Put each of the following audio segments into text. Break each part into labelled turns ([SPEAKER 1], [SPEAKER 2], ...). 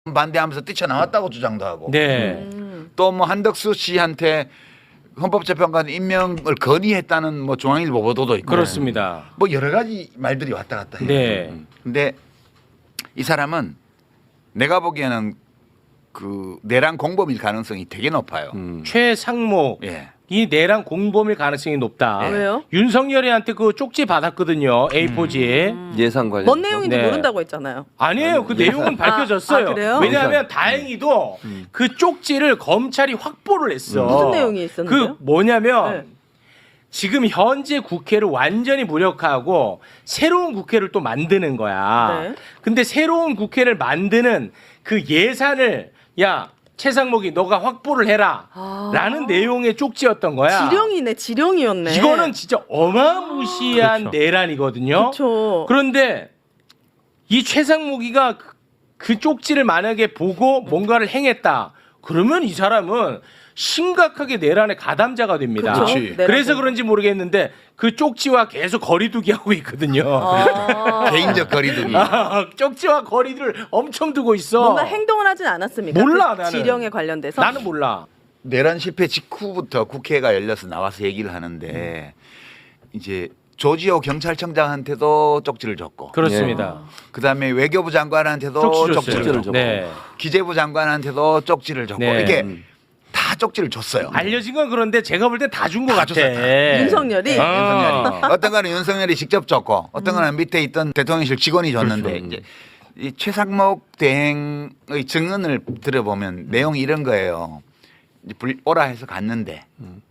[SPEAKER 1] 반대하면서 뛰쳐나왔다고 주장도 하고
[SPEAKER 2] 네.
[SPEAKER 1] 또 뭐 한덕수 씨한테 헌법재판관 임명을 건의했다는 뭐 중앙일보 보도도 있고
[SPEAKER 2] 그렇습니다.
[SPEAKER 1] 뭐 여러 가지 말들이 왔다 갔다 해요.
[SPEAKER 2] 네.
[SPEAKER 1] 근데 이 사람은 내가 보기에는 그 내란 공범일 가능성이 되게 높아요.
[SPEAKER 2] 최상목
[SPEAKER 1] 예.
[SPEAKER 2] 이 내란 공범일 가능성이 높다.
[SPEAKER 3] 왜요?
[SPEAKER 2] 윤석열이한테 그 쪽지 받았거든요. A4지에.
[SPEAKER 4] 예산 관련.
[SPEAKER 3] 뭔 내용인지
[SPEAKER 2] 네.
[SPEAKER 3] 모른다고 했잖아요.
[SPEAKER 2] 아니에요. 그 내용은 밝혀졌어요.
[SPEAKER 3] 아, 그래요?
[SPEAKER 2] 왜냐하면 다행히도 그 쪽지를 검찰이 확보를 했어.
[SPEAKER 3] 무슨 내용이 있었는데요?
[SPEAKER 2] 그 뭐냐면
[SPEAKER 3] 네.
[SPEAKER 2] 지금 현재 국회를 완전히 무력화하고 새로운 국회를 또 만드는 거야.
[SPEAKER 3] 네.
[SPEAKER 2] 근데 새로운 국회를 만드는 그 예산을 야 최상목이 너가 확보를 해라 라는 내용의 쪽지였던 거야.
[SPEAKER 3] 지령이네, 지령이었네.
[SPEAKER 2] 이거는 진짜 어마무시한
[SPEAKER 4] 그렇죠.
[SPEAKER 2] 내란이거든요.
[SPEAKER 3] 그렇죠.
[SPEAKER 2] 그런데 이 최상목이가 그 쪽지를 만약에 보고 뭔가를 행했다. 그러면 이 사람은 심각하게 내란의 가담자가 됩니다.
[SPEAKER 3] 그쵸?
[SPEAKER 1] 그렇지.
[SPEAKER 3] 내란
[SPEAKER 2] 그래서
[SPEAKER 3] 공범.
[SPEAKER 2] 그런지 모르겠는데 그 쪽지와 계속 거리두기 하고 있거든요.
[SPEAKER 1] 개인적 거리두기.
[SPEAKER 2] 쪽지와 거리를 엄청 두고 있어.
[SPEAKER 3] 뭔가 행동을 하진 않았습니까?
[SPEAKER 2] 몰라,
[SPEAKER 3] 그
[SPEAKER 2] 나는.
[SPEAKER 3] 지령에 관련돼서.
[SPEAKER 2] 나는 몰라.
[SPEAKER 1] 내란 실패 직후부터 국회가 열려서 나와서 얘기를 하는데 이제 조지호 경찰청장한테도 쪽지를 줬고
[SPEAKER 2] 그렇습니다.
[SPEAKER 1] 그다음에 외교부 장관한테도
[SPEAKER 2] 쪽지
[SPEAKER 1] 쪽지를
[SPEAKER 2] 줬어요.
[SPEAKER 1] 줬고
[SPEAKER 2] 네.
[SPEAKER 1] 기재부 장관한테도 쪽지를 줬고
[SPEAKER 2] 네.
[SPEAKER 1] 이렇게 다 쪽지를 줬어요.
[SPEAKER 2] 알려진 건 그런데 제가 볼 때 다 준 것
[SPEAKER 1] 다
[SPEAKER 2] 같아.
[SPEAKER 1] 줬어요, 다.
[SPEAKER 3] 윤석열이
[SPEAKER 1] 윤석열이 어떤 거는 윤석열이 직접 줬고 어떤 거는 밑에 있던 대통령실 직원이 줬는데
[SPEAKER 4] 그렇죠.
[SPEAKER 1] 이제 이 최상목 대행의 증언을 들어보면 내용이 이런 거예요. 이제 오라 해서 갔는데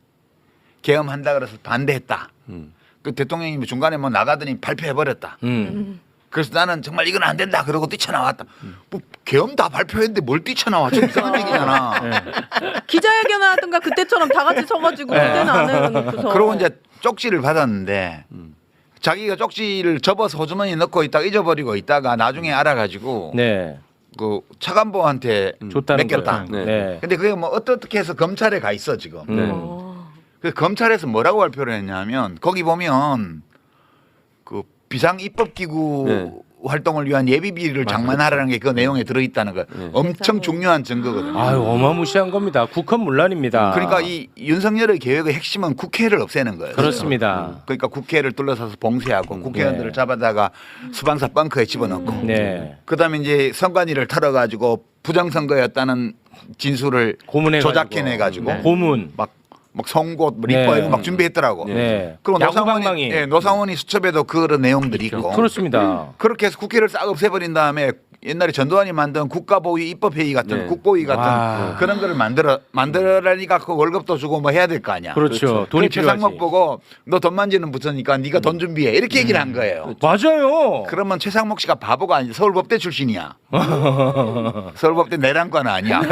[SPEAKER 1] 계엄한다 그래서 반대했다. 그 대통령이 뭐 중간에 뭐 나가더니 발표해 버렸다. 그래서 나는 정말 이건 안 된다. 그러고 뛰쳐나왔다. 뭐 계엄 다 발표했는데 뭘 뛰쳐나와? 좀 이상한 얘기잖아.
[SPEAKER 3] 기자회견 하든가 그때처럼 다 같이 서가지고 그때는 안 해놓고서.
[SPEAKER 1] 그러고 이제 쪽지를 받았는데 자기가 쪽지를 접어서 호주머니에 넣고 있다가 잊어버리고 있다가 나중에 알아가지고
[SPEAKER 2] 네.
[SPEAKER 1] 그 차관보한테
[SPEAKER 2] 줬다는
[SPEAKER 1] 맡겼다.
[SPEAKER 2] 거예요.
[SPEAKER 4] 네.
[SPEAKER 2] 네.
[SPEAKER 1] 근데 그게 뭐 어떻게 해서 검찰에 가 있어 지금. 그래서 검찰에서 뭐라고 발표를 했냐면 거기 보면 그 비상 입법 기구
[SPEAKER 4] 네.
[SPEAKER 1] 활동을 위한 예비비를 장만하라는 게 그 내용에 들어있다는 거 엄청 중요한 증거거든요.
[SPEAKER 2] 아유 어마무시한 겁니다. 국헌문란입니다.
[SPEAKER 1] 그러니까 이 윤석열의 계획의 핵심은 국회를 없애는 거예요.
[SPEAKER 2] 그렇습니다.
[SPEAKER 1] 그러니까 국회를 둘러싸서 봉쇄하고 국회의원들을
[SPEAKER 2] 네.
[SPEAKER 1] 잡아다가 수방사 벙커에 집어넣고
[SPEAKER 2] 네.
[SPEAKER 1] 그다음에 이제 선관위를 털어가지고 부정선거였다는 진술을
[SPEAKER 2] 고문해가지고.
[SPEAKER 1] 조작해내가지고
[SPEAKER 2] 네. 고문.
[SPEAKER 1] 막 송곳 뭐
[SPEAKER 2] 네.
[SPEAKER 1] 리퍼 이거 막 준비했더라고.
[SPEAKER 2] 네.
[SPEAKER 1] 그리고
[SPEAKER 2] 야구방망이.
[SPEAKER 1] 노상원이 수첩에도 그런 내용들이 있고.
[SPEAKER 2] 그렇습니다.
[SPEAKER 1] 그렇게 해서 국회를 싹 없애버린 다음에 옛날에 전두환이 만든 국가보위 입법회의 같은
[SPEAKER 4] 네.
[SPEAKER 1] 국보위 같은
[SPEAKER 2] 와.
[SPEAKER 1] 그런 거를 만들어라니까 그 월급도 주고 뭐 해야 될 거 아니야.
[SPEAKER 2] 그렇죠. 돈이
[SPEAKER 1] 최상목
[SPEAKER 2] 필요하지.
[SPEAKER 1] 보고 너 돈 만지는 부서니까 네가 돈 준비해 이렇게 얘기를 한 거예요.
[SPEAKER 2] 맞아요.
[SPEAKER 1] 그러면 최상목 씨가 바보가 아니라 서울법대 출신이야. 서울법대 내란과는 아니야.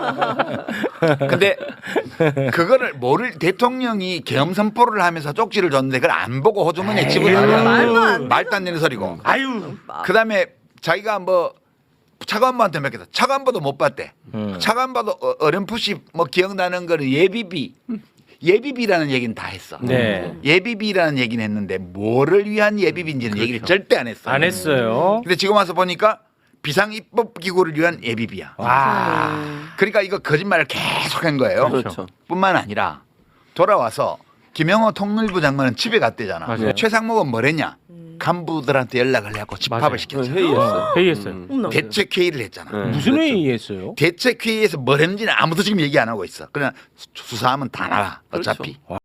[SPEAKER 1] 근데 그거를 모를 대통령이 계엄 선포를 하면서 쪽지를 줬는데 그걸 안 보고 호주머니에 집어넣으면
[SPEAKER 3] 말도 안
[SPEAKER 1] 말도 안 되는 소리고.
[SPEAKER 2] 아유.
[SPEAKER 1] 그다음에 자기가 뭐 차관보한테 맡겼다. 차관보도 못 봤대. 차관보도 어렴풋이 뭐 기억나는 거는 예비비라는 얘기는 다 했어.
[SPEAKER 2] 네.
[SPEAKER 1] 예비비라는 얘기는 했는데 뭐를 위한 예비비인지는 얘기를 절대 안 했어.
[SPEAKER 2] 안 했어요.
[SPEAKER 1] 근데 지금 와서 보니까 비상입법기구를 위한 예비비야.
[SPEAKER 2] 와.
[SPEAKER 1] 그러니까 이거 거짓말을 계속한 거예요.
[SPEAKER 4] 그렇죠.
[SPEAKER 1] 뿐만 아니라 돌아와서 김영호 통일부 장관은 집에 갔대잖아.
[SPEAKER 2] 맞아요.
[SPEAKER 1] 최상목은 뭐랬냐? 간부들한테 연락을 해갖고 집합을
[SPEAKER 2] 맞아요.
[SPEAKER 1] 시켰잖아.
[SPEAKER 4] 회의했어요.
[SPEAKER 2] 회의했어요.
[SPEAKER 3] 어머나.
[SPEAKER 1] 대책 회의를 했잖아.
[SPEAKER 4] 네.
[SPEAKER 2] 무슨
[SPEAKER 4] 그렇죠.
[SPEAKER 2] 회의했어요?
[SPEAKER 1] 대책 회의에서 뭘 했는지는 아무도 지금 얘기 안 하고 있어. 그냥 수사하면 다 나와. 어차피.
[SPEAKER 2] 와.